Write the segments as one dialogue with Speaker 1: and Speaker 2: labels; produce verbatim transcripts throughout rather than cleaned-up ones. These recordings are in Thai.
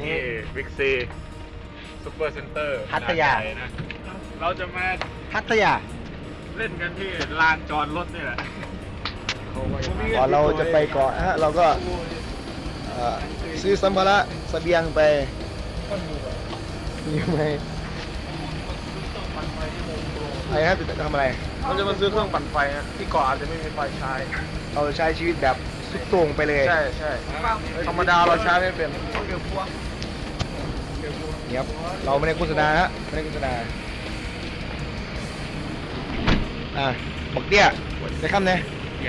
Speaker 1: ที่บิ๊กซีซุปเปอร์เซ็นเตอร์
Speaker 2: พัทยา
Speaker 1: นะเราจะมา
Speaker 2: พัทยา
Speaker 1: เล่นกันที่ลานจอดรถนี่แหละ
Speaker 2: ก่อนเราจะไปเกาะฮะเราก็ซื้อสัมภาระเสบียงไปมีไหมไอ้ครับจะทำอะไร
Speaker 1: เราจะมาซื้อเครื่องปั่นไฟนะที่เกาะอาจจะไม่มีไฟใช้
Speaker 2: เราใช้ชีวิตแบบสุดโต่งไปเลย
Speaker 1: ใช่ใช่ธรรมดาเราใช้ไม่เป็น
Speaker 2: เดี๋ยวเราไม่ได้โฆษณาฮะไม่ได้โฆษณาอ่ะบอกเดี้ยจะข้ามเนี่ย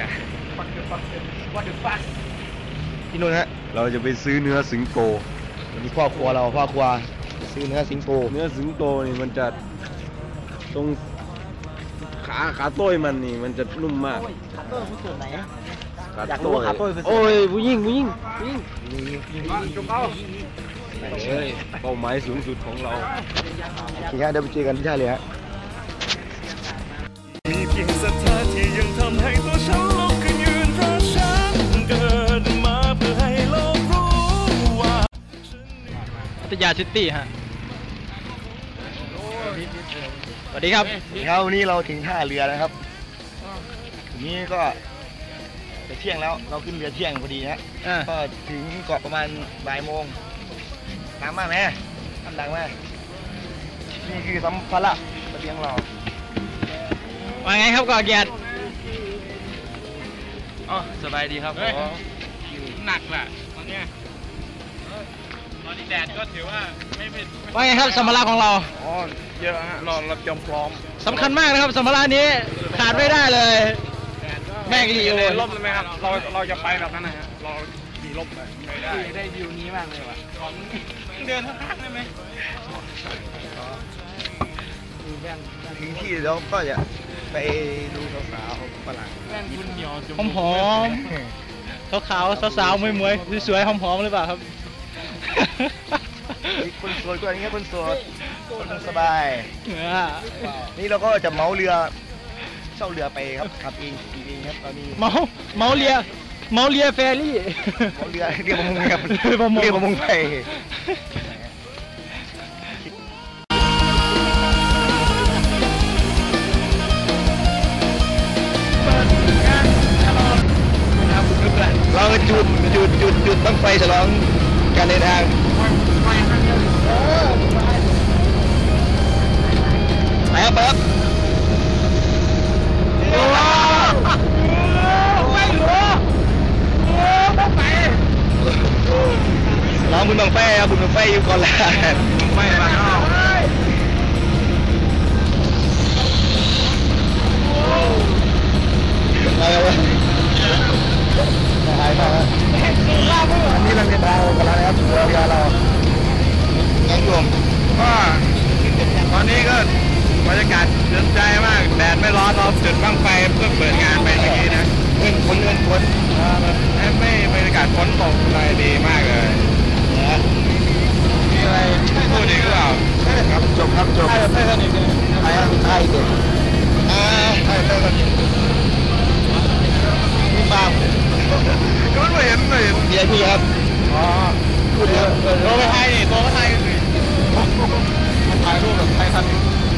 Speaker 2: พี่นุ่นฮะ
Speaker 3: เราจะไปซื้อเนื้อสิงโต
Speaker 2: วันนี้พ่อครัวเราพ่อครัวซื้อเนื้อสิงโต
Speaker 3: เนื้อสิงโตนี่มันจะตรงขาขาต้อยมันนี่มันจะนุ่มมาก
Speaker 2: ขาต้อยคือส่วนไหน
Speaker 3: อยากรู้ว่าขาต้อยโอ้ยผู้หญิงผู้หญิงผู้หญิง
Speaker 1: จุ๊บเอา
Speaker 3: เลยเป้าหมายสูงสุดของเรา
Speaker 2: ทีนี้เดี๋ยวไปเจอกันที่ท่าเรือ
Speaker 4: มีเพียงศรัทธาที่ยังทำให้ตัวฉันลุกขึ้นยืนเพราะฉันเกิดมาเพื่อให้โลกรู้ว่า
Speaker 5: พัทยาซิตี้ฮะสวัสดีครับ
Speaker 2: ครับวันนี้เราถึงท่าเรือนะครับทีนี้ก็จะเที่ยงแล้วเราขึ้นเรือเที่ยงพอดีฮะก็ถึงเกาะประมาณบ่ายโมงน้ำมาไหมน้ำดังไหมนี่คือสัมภาระเสบียงเรา
Speaker 5: ว่าไงครับก่อเกียรติ
Speaker 1: อ๋อสบายดีครับผมหนักแหละตอนนี้ตอนนี้แดดก็ถือว่าไม่เป็น
Speaker 5: ว่าไงครับสัมภาระของเรา
Speaker 1: อ๋อเยอะฮะเราเราจำพร้อม
Speaker 5: สำคัญมากนะครับสัมภาระนี้ขาดไม่ได้เลยแม่งรี
Speaker 1: โอร่มเลยไหมครับเราเราจะไปแบบนั้นนะฮะเราขี่ร่มไปได้ได้วิวนี้มากเลยว่ะเดินข้างๆได้ไหม
Speaker 2: ถึงที่แล้วก็จะไปดูสาวๆฝรั่ง
Speaker 5: หอมหอมขาวๆสาวๆมวยๆสวยๆหอมๆหรือเปล่าครับ
Speaker 2: คนสวยกว่านี้คนสวยคนสบายนี่เราก็จะเมาเรือเช่าเรือไปครับขับเองขี่เองครับตอนนี้
Speaker 5: เมาเมาเรือเมาเรือแฟรี่
Speaker 2: เมาเรือเรือประมงครับเรือประมงไปเราจุดจุดจุดจุดบั้งไฟฉลองการเดินทางไปครับครับน้องบุญบังไฟครับบุญบังไฟอยู่ก่อนแล้ว
Speaker 1: บังไฟมาแล้ว
Speaker 2: อะไรวะหายไปแล้วอันนี้เราเดินทางกันแล้วนะครับเรือเราไงโยม
Speaker 1: ก็ตอนนี้ก็บรรยากาศเย็นใจมากแดดไม่ร้อนเราจุดบั้งไฟเพื่อเปิดงานไปเมื่อกี้นะ
Speaker 2: เงินฝนเงินฝน
Speaker 1: ไม่บรรยากาศฝนตกอะไรดีมากเลยมีอะไรพูดอีกหรือเปล่า
Speaker 2: ครับจบครับจบ
Speaker 5: ใช่ใช่สนิท
Speaker 2: ใช่ใช่เด็กอ่าใช่ใช่สนิทมีบ้า
Speaker 1: ก็ไม่เห็นไม่เห็น
Speaker 2: เดี๋ยวพี่ครับ
Speaker 1: อ๋อ
Speaker 2: พูดเยอะ
Speaker 1: ตัวไม่ไทยนี่ตัวไม่ไทยสิถ่ายรูปแบบไทยทัน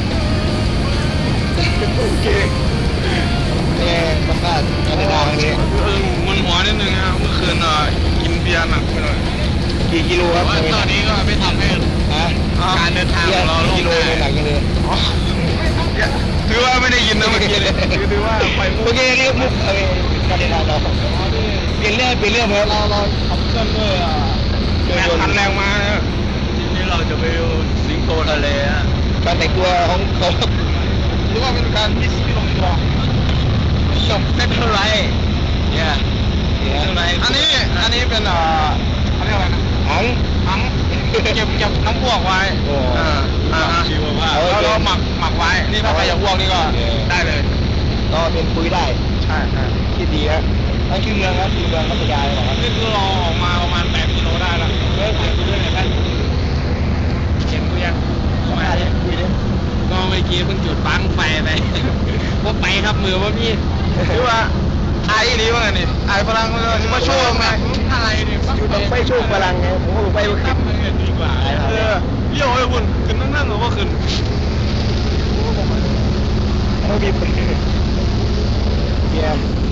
Speaker 2: โอเคเนี่ยประกาศการเดินทางนี้
Speaker 1: มันหัวนิดนึงนะเมื่อคืนอ่ะกินเบียร์หนักไปหน่อย
Speaker 2: กี่กิโลครับ
Speaker 1: ตอนนี้ก็ไม่ทำให้การเดินทางของเรา
Speaker 2: กิโลหนักเลย
Speaker 1: ถือว่าไม่ได้ยินนะเมื่อกี้เลยถือว่าไป
Speaker 2: เมื่อกี้เรียกมุกการเดินทางเราเปลี่ยนเรื่องเปลี่ยนเรื่องเราเราขับเคลื่อนด้วยอ่ะ
Speaker 1: แรงพันแรงมาทีนี้เราจะไปดูสิงโตทะเลฮะ
Speaker 2: การแต่งตัวของเขา
Speaker 1: หรือว่าเป็นการมิสที่ลงตัว
Speaker 2: จบเซ็ตเท่าไรเนี่ย
Speaker 1: อันนี้อันนี้เป็นอ่าเขาเรียกอะไรนะ
Speaker 2: ถัง
Speaker 1: ถังเก็บเก็บน้ำพวกไว้อ่าอ่าแล้วเราหมักหมักไว้นี่ถ้าใครจะพวกนี่ก็ได้เลย
Speaker 2: ก็เป็นปุ๋ยได้
Speaker 1: ใช่ใช่
Speaker 2: คิดดีครับนั่นคือเมืองครับคือเมืองพัทยาเลยครับ
Speaker 1: นี่คือเราออกมาประมาณแปดกิโลได้แล้ว
Speaker 2: เฮ้ยถ่ายคุยด้วยหน่อยท่าน
Speaker 1: เขียนคุยยัง
Speaker 2: มาดิคุยดิ
Speaker 1: ก็เมื่อกี้เพิ่งจุดบั้งไฟไปว่าไปครับมือว่าพี่หรือว่าไอ้ดีว่าไงนี่ไอ้พลังมาช่วยไงอะไรนี่
Speaker 2: จุดบั้งไฟช่วยพลังไงผมก็ไปว่าขึ้น
Speaker 3: เลี้ยวไอ้คุณขึ้นนั่งๆหรือว่าขึ้น
Speaker 2: เขาบีบเกียร์